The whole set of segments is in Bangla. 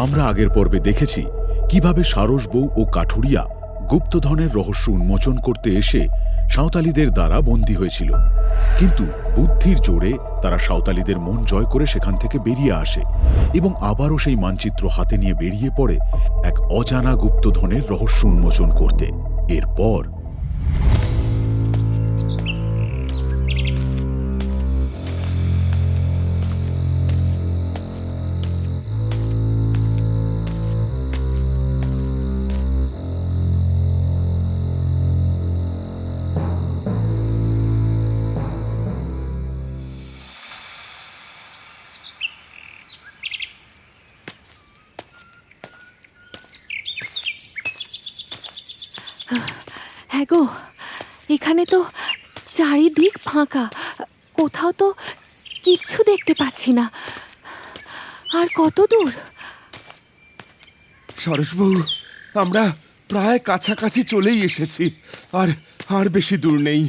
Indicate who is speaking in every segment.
Speaker 1: আমরা আগের পর্বে দেখেছি কিভাবে সারস বউ ও কাঠুরিয়া গুপ্তধনের রহস্য উন্মোচন করতে এসে সাঁওতালিদের দ্বারা বন্দী হয়েছিল, কিন্তু বুদ্ধির জোরে তারা সাঁওতালিদের মন জয় করে সেখান থেকে বেরিয়ে আসে এবং আবারও সেই মানচিত্র হাতে নিয়ে বেরিয়ে পড়ে এক অজানা গুপ্তধনের রহস্য উন্মোচন করতে। এরপর
Speaker 2: হ্যাঁ গো, এখানে তো চারিদিক ফাঁকা, কোথাও তো কিচ্ছু দেখতে পাচ্ছি না। আর কত দূর?
Speaker 3: সরসবউ, আমরা প্রায় কাছাকাছি চলেই এসেছি। আর আর বেশি দূর নেই।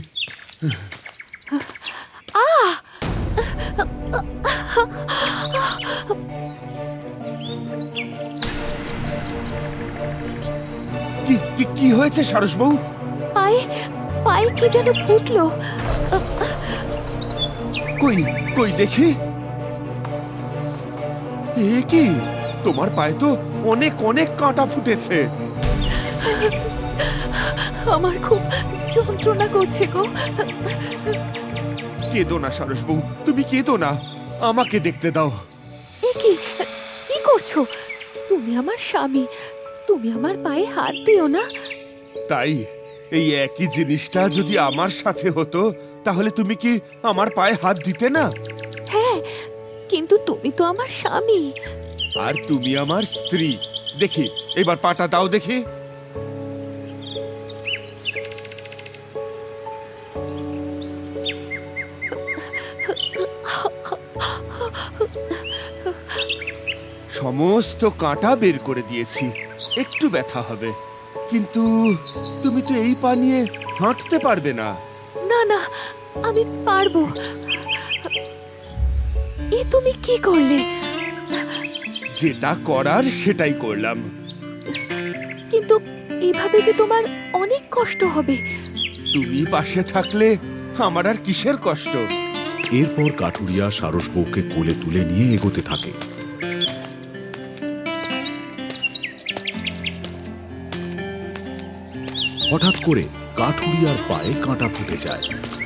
Speaker 3: কি কি কি হয়েছে সরসবউ?
Speaker 2: পায়ে পায়ে কি যেন ফুটলো।
Speaker 3: কই কই দেখি। এ কি, তোমার পায়ে তো অনেক অনেক কাঁটা ফুটেছে।
Speaker 2: আমার খুব যন্ত্রণা করছে গো।
Speaker 3: কেঁদো না সরসবউ, তুমি কেঁদো না, আমাকে দেখতে দাও।
Speaker 2: এ কি, কি করছো? তুমি আমার স্বামী, তুমি আমার পায়ে হাত দিও না।
Speaker 3: তাই এই একই জিনিসটা যদি আমার সাথে হতো, তাহলে তুমি কি আমার পায়ে হাত দিতে না?
Speaker 2: হ্যাঁ, কিন্তু তুমি তো আমার স্বামী।
Speaker 3: আর তুমি আমার স্ত্রী। দেখি এবার পাটা দাও দেখি। সমস্ত কাঁটা বের করে দিয়েছি, একটু ব্যথা হবে, কিন্তু তুমি তো এই পা নিয়ে হাঁটতে পারবে না।
Speaker 2: না না, আমি পারবো। এ তুমি কি করলে?
Speaker 3: যেটা করার সেটাই করলাম।
Speaker 2: কিন্তু এভাবে যে তোমার অনেক কষ্ট হবে।
Speaker 3: তুমি পাশে থাকলে আমার আর কিসের কষ্ট।
Speaker 1: এরপর কাঠুরিয়া সারস বউকে কোলে তুলে নিয়ে এগোতে থাকে। হঠাৎ করে কাঠুরিয়ার পায়ে কাঁটা ফুটে যায়।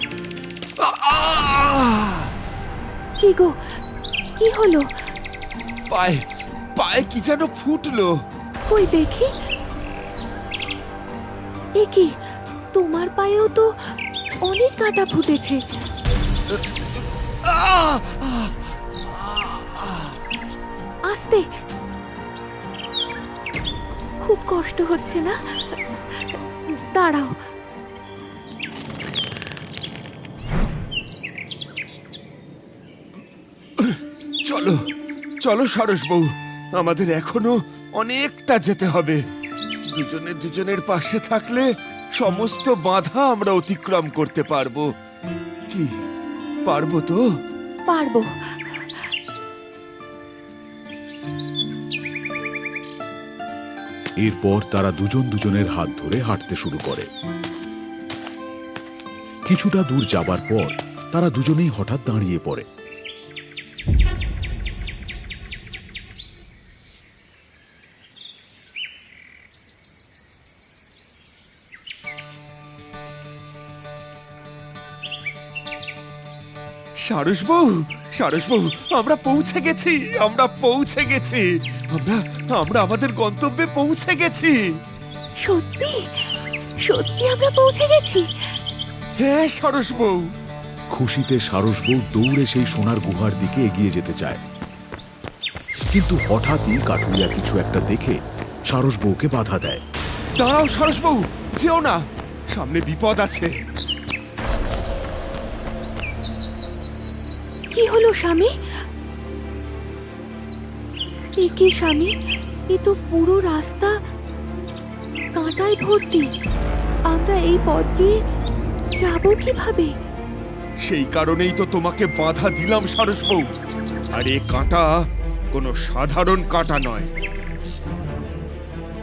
Speaker 2: কি গো, কি হলো?
Speaker 3: পায়ে পায়ে কি যেন ফুটলো।
Speaker 2: কই দেখি। এ কি, তোমার পায়েও তো অনেক কাঁটা ফুটেছে। আস্তে, খুব কষ্ট হচ্ছে না? দাঁড়াও।
Speaker 3: চলো চলো সরসবউ, আমাদের এখনো অনেকটা যেতে হবে। দুজনে দুজনের পাশে থাকলে সমস্ত বাধা আমরা অতিক্রম করতে পারবো। কি পারবো তো?
Speaker 2: পারবো।
Speaker 1: এরপর তারা দুজন দুজনের হাত ধরে হাঁটতে শুরু করে। কিছুটা দূর যাবার পর তারা দুজনেই হঠাৎ দাঁড়িয়ে পড়ে।
Speaker 3: সরসবউ, সরসবউ, আমরা পৌঁছে গেছি, আমরা পৌঁছে গেছি, আমরা আমরা আমাদের গন্তব্যে পৌঁছে গেছি।
Speaker 2: সত্যি সত্যি আমরা পৌঁছে গেছি।
Speaker 3: হ্যাঁ সরসবউ।
Speaker 1: খুশিতে সারস বউ দৌড়ে সেই সোনার গুহার দিকে এগিয়ে যেতে চায়, কিন্তু হঠাৎই কাঠুরিয়া কিছু একটা দেখে সারস বউকে বাধা দেয়।
Speaker 3: দাঁড়াও সরসবউ, যেও না, সামনে বিপদ আছে।
Speaker 2: কি হলো স্বামী? এ কি স্বামী, এ তো পুরো রাস্তা কাঁটায় ভর্তি। আমরা এই পথ দিয়ে যাব কিভাবে?
Speaker 3: সেই কারণেই তো তোমাকে বাধা দিলাম সরসবউ। আর এ কাঁটা কোনো সাধারণ কাঁটা নয়,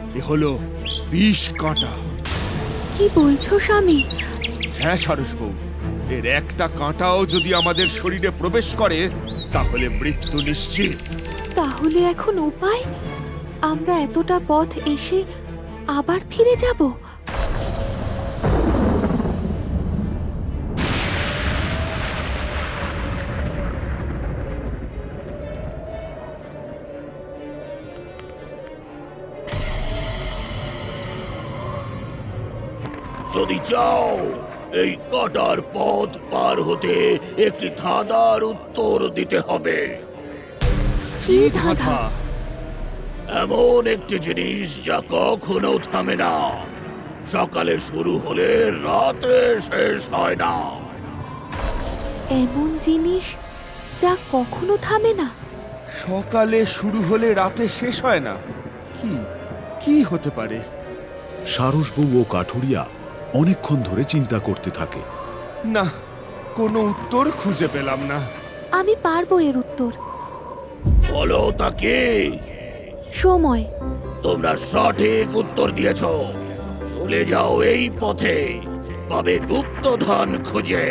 Speaker 3: এ হলো বিষ কাঁটা।
Speaker 2: কি বলছো স্বামী?
Speaker 3: হ্যাঁ সারসবউ, এর একটা কাঁটাও যদি আমাদের শরীরে প্রবেশ করে তাহলে মৃত্যু নিশ্চিত।
Speaker 2: তাহলে এখন উপায়? আমরা এতটা পথ এসে আবার ফিরে যাব?
Speaker 4: যদি চাও এই কাটার পথ পার হতে একটি ধাঁধার উত্তর দিতে হবে।
Speaker 2: কি ধাঁধা?
Speaker 4: এমন একটি জিনিস যা কখনো থামে না, সকালে শুরু হলে রাতে শেষ হয় না।
Speaker 2: এমন জিনিস যা কখনো থামে না?
Speaker 3: সকালে শুরু হলে রাতে শেষ হয় না? কি কি হতে পারে?
Speaker 1: সারসবউ ও কাঠুরিয়া অনেকক্ষণ ধরে চিন্তা করতে থাকে।
Speaker 3: না, কোনো উত্তর খুঁজে পেলাম না।
Speaker 2: আমি পারবো এর উত্তর।
Speaker 4: বলো তাকে।
Speaker 2: সময়।
Speaker 4: তোমরা সঠিক উত্তর দিয়েছ। চলে যাও এই পথে, পাবে গুপ্তধন খুঁজে।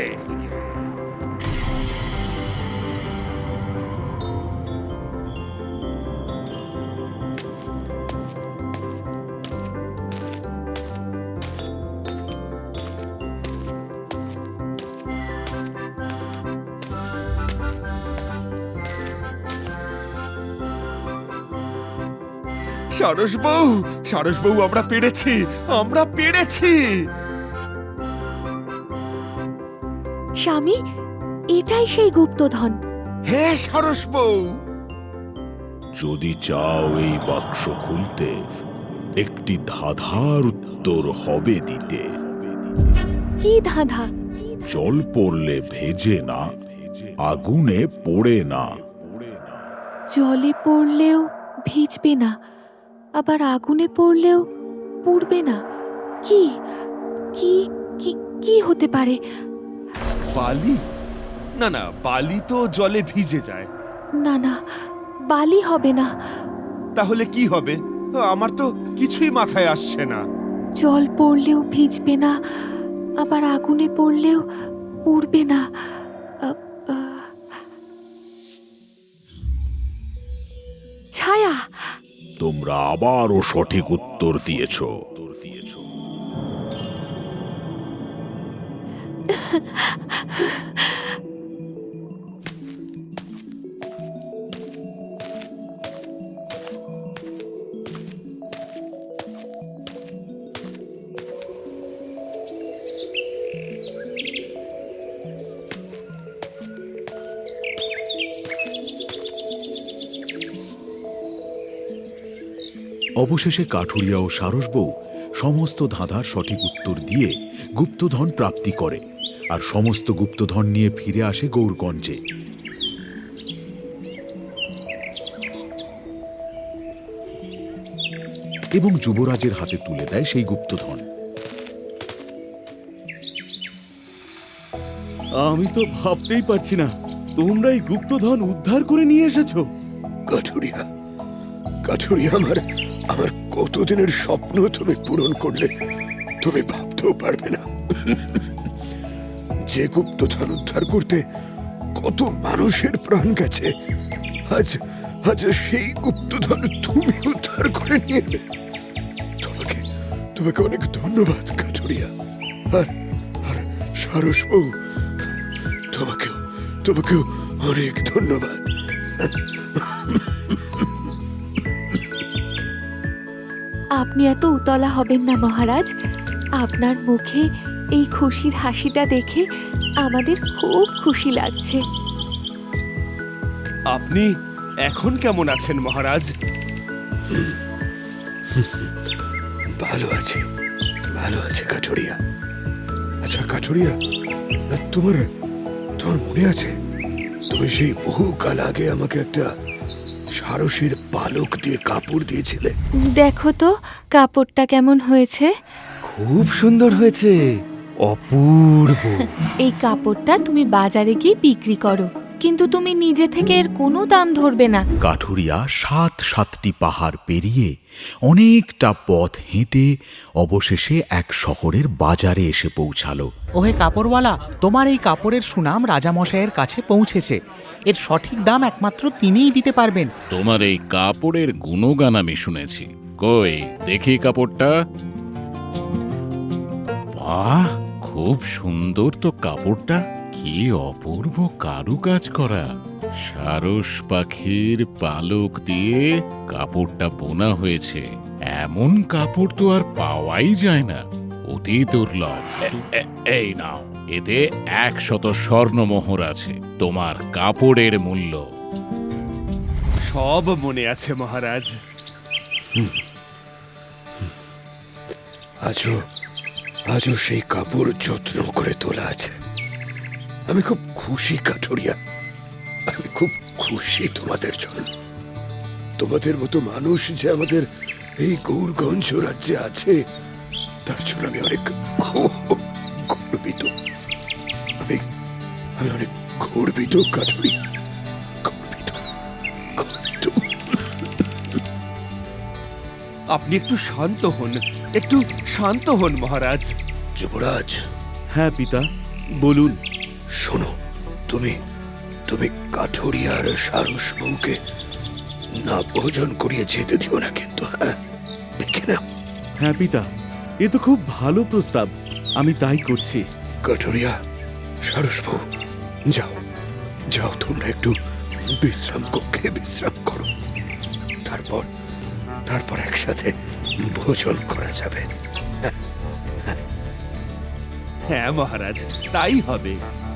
Speaker 3: সারসবউ, সারসবউ, আমরা পেরেছি, আমরা পেরেছি।
Speaker 2: স্বামী, এটাই সেই গুপ্তধন।
Speaker 3: হ্যাঁ সারসবউ।
Speaker 1: যদি চাও এই বাক্স খুলতে, একটি ধাঁধার উত্তর হবে দিতে।
Speaker 2: কি ধাঁধা?
Speaker 1: জল পড়লে ভেজে না, আগুনে পোড়ে না।
Speaker 2: জলে পড়লেও ভিজবে না, আবার আগুনে পড়লেও পুড়বে না। কি কি কি কি হতে পারে?
Speaker 3: বালি? না না, বালি তো জলে ভিজে যায়।
Speaker 2: না না, বালি হবে না।
Speaker 3: তাহলে কি হবে? আমার তো কিছুই মাথায় আসছে না।
Speaker 2: জল পড়লেও ভিজবে না, আবার আগুনে পড়লেও পুড়বে না। ছায়া।
Speaker 1: তোমরা আবারও সঠিক উত্তর দিয়েছ। অবশেষে কাঠুরিয়া ও সারসবউ সমস্ত ধাঁধার সঠিক উত্তর দিয়ে গুপ্তধন প্রাপ্তি করে আর সমস্ত গুপ্তধন নিয়ে ফিরে আসে গৌরগঞ্জে। এবং যুবরাজের হাতে তুলে দেয় সেই গুপ্তধন।
Speaker 5: আমি তো ভাবতেই পারছি না তোমরা এই গুপ্তধন উদ্ধার করে নিয়ে এসেছো।
Speaker 4: কাঠুরিয়া, কাঠুরিয়া, আমার কতদিনের স্বপ্ন তুমি পূরণ করলে, তুমি ভাবতেও পারবে না। যে গুপ্তধন উদ্ধার করতে কত মানুষের প্রাণ গেছে, আজ আজ সেই গুপ্তধন তুমি উদ্ধার করে নিয়ে এলে। তোমাকে অনেক ধন্যবাদ কাঠুরিয়া। আর আর সারসবউ, তোমাকেও অনেক ধন্যবাদ।
Speaker 2: আপনি এত উতলা হবেন না মহারাজ। আপনার মুখে এই খুশির হাসিটা দেখে আমাদের খুব খুশি লাগছে।
Speaker 3: আপনি এখন কেমন আছেন মহারাজ?
Speaker 4: ভালো আছি, ভালো আছে কাঠুরিয়া। আচ্ছা কাঠুরিয়া, তোমার মনে আছে তুমি সেই বহুকাল আগে আমাকে একটা সারসের পালক দিয়ে কাপড় দিয়েছিলে?
Speaker 2: দেখো তো কাপড়টা কেমন হয়েছে।
Speaker 5: খুব সুন্দর হয়েছে, অপূর্ব।
Speaker 2: এই কাপড়টা তুমি বাজারে গিয়ে বিক্রি করো, কিন্তু তুমি নিজে থেকে এর কোনো দাম ধরবে না।
Speaker 1: কাঠুরিয়া ৭টি পাহাড় পেরিয়ে অনেকটা পথ হেঁটে অবশেষে এক শহরের বাজারে এসে পৌঁছালো।
Speaker 6: ওহে কাপড়ওয়ালা, তোমার এই কাপড়ের সুনাম রাজামশাইয়ের কাছে পৌঁছেছে। এর সঠিক দাম একমাত্র তিনিই দিতে পারবেন।
Speaker 7: তোমার এই কাপড়ের গুণগান আমি শুনেছি। কই দেখি কাপড়টা। বাহ, খুব সুন্দর তো কাপড়টা। কি অপূর্ব কারুকাজ করা। সারস পাখির পালক দিয়ে কাপড়টা বোনা হয়েছে। এমন কাপড় তো আর পাওয়াই যায় না, অতি দুর্লভ। এই নাও, এতে ১০০ স্বর্ণমোহর আছে। তোমার কাপড়ের মূল্য।
Speaker 3: সব মনে আছে মহারাজ।
Speaker 4: আজও সেই কাপড় যত্ন করে তোলা আছে। আমি খুব খুশি কাঠুরিয়া, আমি খুব খুশি তোমাদের জন্য। তোমাদের মতো মানুষ যে আমাদের এই গৌরগঞ্জ রাজ্যে আছে, তার জন্য আমি অনেক গর্বিত। আমি অনেক গর্বিত কাঠুরিয়া, গর্বিত।
Speaker 3: আপনি একটু শান্ত হন, একটু শান্ত হন মহারাজ।
Speaker 4: যুবরাজ,
Speaker 5: হ্যাঁ পিতা, বলুন।
Speaker 4: শোনো, তুমি কাঠুরিয়ার সারস বউকে না ভোজন করিয়ে যেতে দিও না কিন্তু। হ্যাঁ, দেখে নাও।
Speaker 5: হ্যাঁ পিতা, এ তো খুব ভালো প্রস্তাব, আমি তাই করছি।
Speaker 4: কাঠুরিয়া, সারস বউ, যাও যাও, তোমরা একটু বিশ্রাম কক্ষে বিশ্রাম করো। তারপর একসাথে ভোজন করা যাবে।
Speaker 3: হ্যাঁ মহারাজ, তাই হবে।